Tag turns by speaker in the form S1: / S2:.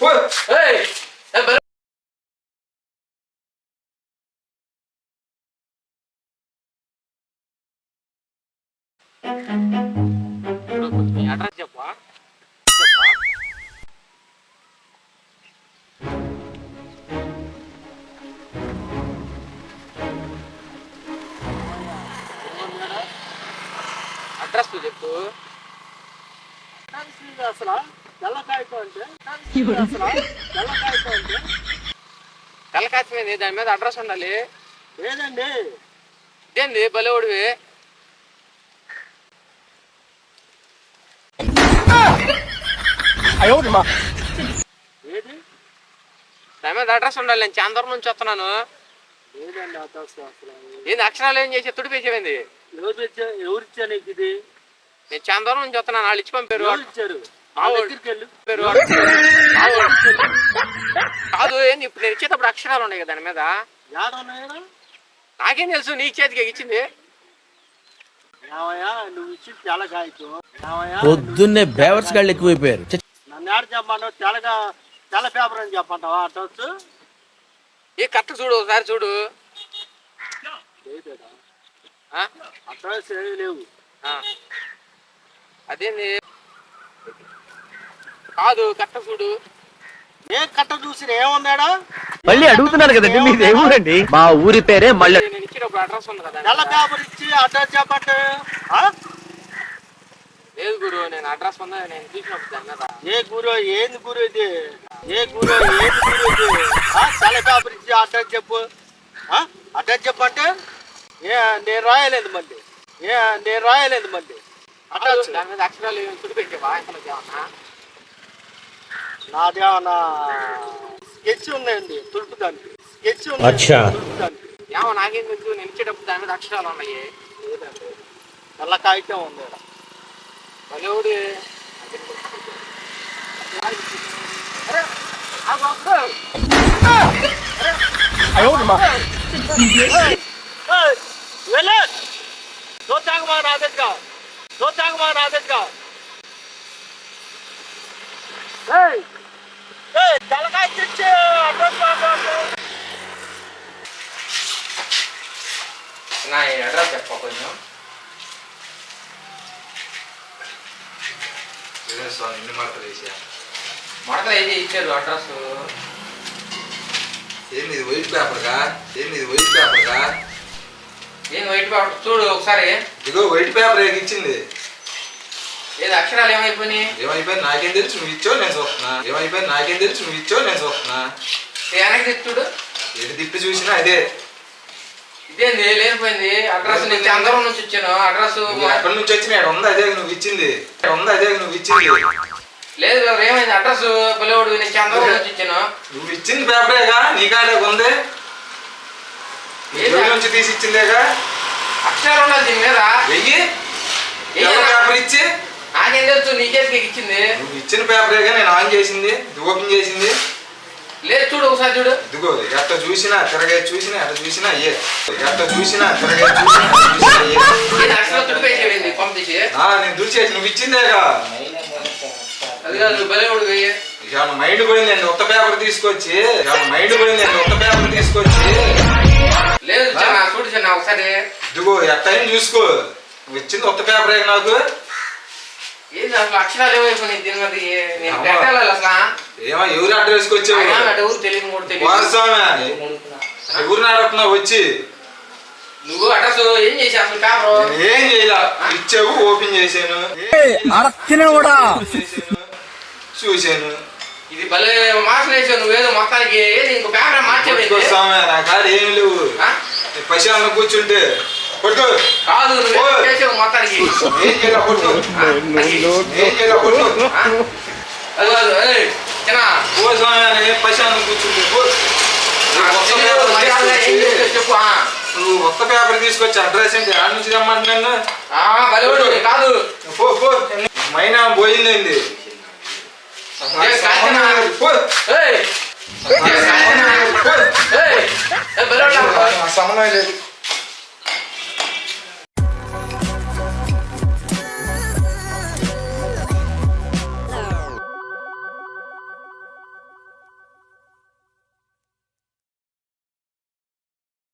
S1: Address చెప్పా address చెప్పు.
S2: అసలు తెల్లకాయతో అంటే
S1: తెల్లకాయ మీద దాని మీద అడ్రస్ ఉండాలి.
S2: లేదండి.
S1: ఇదేంది బలేవుడివి?
S2: ఏది
S1: దాని మీద అడ్రస్ ఉండాలి. నేను చాలా దూరం నుంచి వస్తున్నాను.
S2: లేదండి అడ్రస్ అసలు.
S1: ఏంది అక్షరాలు ఏం చేసి తుడిపేసేవింది?
S2: ఎవరిచ్చా నీకు ఇది?
S1: నేను చాలా దూరం నుంచి వస్తున్నాను. వాళ్ళు ఇచ్చి పంపారు.
S2: ఇచ్చారు
S1: కాదు ఏంది ఇప్పుడు నేను ఇచ్చేటప్పుడు అక్షరాలు ఉన్నాయి కదా దాని మీద. నాకేం తెలుసు నీ చేతికి ఇచ్చింది.
S2: నువ్వు ఇచ్చింది తెల్లకాయతో.
S3: పొద్దున్నే బేవర్స్ గాళ్ళు ఎక్కువైపోయారు.
S2: నన్ను ఏడు చెప్పంటావు? తెల్ల పేపర్ అని చెప్పంటావా అడ్రస్?
S1: ఏ కరెక్ట్ చూడు ఒకసారి చూడు.
S2: అడ్రస్ ఏమీ లేవు.
S1: అదేంది కాదు కరెక్ట్ చూడు.
S2: ఏ కట్ట చూసి ఏమన్నాడా?
S3: మళ్ళీ అడుగుతున్నారు కదండి మీది ఏ ఊరండి? మా ఊరి పేరే మళ్ళీ.
S1: నేను ఇచ్చినప్పుడు అడ్రస్ ఉంది కదా.
S2: తెల్ల పేపర్ ఇచ్చి అడ్రస్ చెప్పంటే
S1: లేదు గురు, నేను అడ్రస్ ఉందా నేను చూసినప్పుడు దాని మీద.
S2: ఏ గురు ఏంది గురు ఇది? తెల్ల పేపర్ ఇచ్చి అడ్రస్ చెప్పు. అడ్రస్ చెప్పంటే నేను రాయలేదు మళ్ళీ. అడ్రస్
S1: దాని మీద అక్షరాలు తుడిపెట్టేవా? ఏమన్నా
S2: నాదేమన్నా స్కెచ్ ఉన్నాయండి తుడుపుదానికి. స్కెచ్ ఉంది.
S1: ఏమో నాకేం తెలుసు. నేను ఇచ్చేటప్పుడు దాని మీద అక్షరాలు ఉన్నాయి.
S2: లేదండి నల్ల కాగితం ఉంది.
S1: బలేవుడి
S2: తెల్లకాయ తెచ్చి అడ్రస్
S1: నా అడ్రస్ చెప్ప కొంచెం. మడతలు అయితే ఇచ్చారు అడ్రస్.
S4: ఏంది వైట్ పేపర్గా? ఏం
S1: వైట్ పేపర్ చూడు ఒకసారి.
S4: ఇదిగో వైట్ పేపర్ ఇచ్చింది.
S1: ఏది అక్షరాలు ఏమైపోయినాయి?
S4: నాకేం తెలుసు నువ్వు ఇచ్చావు నేను చూస్తున్నా.
S1: వెనక్కి చూడు.
S4: ఏది తిప్పి చూసినా అదే.
S1: ఇదేంది లేనిపోయింది అడ్రస్? నేను అందరం నుంచి వచ్చాను. అడ్రస్
S4: ఎక్కడి నుంచి వచ్చినా ఉంది అదే నువ్వు ఇచ్చింది.
S1: లేదు ఏమైంది? అడ్రస్ పిల్లవాడు నేను చంద్రబాబు నుంచి ఇచ్చాను.
S4: నువ్వు ఇచ్చింది పేపరేగా నీ కాడే ఉంది. నుంచి తీసి ఇచ్చిందేగా.
S1: అక్షరాలు ఉన్నది దీని మీద.
S4: పేపర్ ఇచ్చి
S1: నాకేం తెలుసు నీ చేతికి ఇచ్చింది.
S4: నువ్వు ఇచ్చిన పేపరేగా నేను ఆన్ చేసింది, ఓపెన్ చేసింది.
S1: లేదు చూడు ఒకసారి చూడు.
S4: ఇదిగో ఎట్ట చూసినా తిరగే చూసినా ఎట్ట చూసినా అయ్యే. నేను దుడిచేసి నువ్వు ఇచ్చిందేగా.
S1: అది కాదు బలేవుడు.
S4: మైండ్ పోయిందండి ఉత్త పేపర్ తీసుకొచ్చి.
S1: లేదు చూడు చిన్న ఒకసారి.
S4: ఇదిగో ఎట్టయినా చూసుకో. నువ్వు ఇచ్చింది ఉత్త పేపరే నాకు.
S1: ఏంది అసలు అక్షరాలు ఏమైపోయినాయి దీని మీద? నేను పెట్టాలి అసలు.
S4: ఎవరు అడ్రస్కి వచ్చావు?
S1: ఎవరు తెలియదు కూడా తెలియదు.
S4: ఎవరిని అడుగుతున్నావు వచ్చి?
S1: నువ్వు అడ్రస్ ఏం చేసావు అసలు? పేపర్
S4: ఏం చేయాల ఇచ్చావు, ఓపెన్ చేశాను, చూశాను.
S1: ఇది భలే మార్క్స్ వేసావు నువ్వేదో మొత్తానికి. ఏది ఇంకో పేపర్ మార్చేది?
S4: నా కాడ ఏం లేవు. పశాలను కూర్చుంటే పట్టుకో.
S1: కాదు నువ్వు చేసావు మొత్తానికి.
S4: ఏం చేయాల పట్టుకో.
S1: అది కాదు చిన్న
S4: పశాలను కూర్చుంటే
S1: చెప్పు.
S4: నువ్వు కొత్త పేపర్ తీసుకొచ్చి అడ్రస్ ఏంటి ఆడ నుంచి తెమ్మంటున్నాను.
S1: కాదు
S4: మైనా పోయిందండి. సమన్వయం లేదు.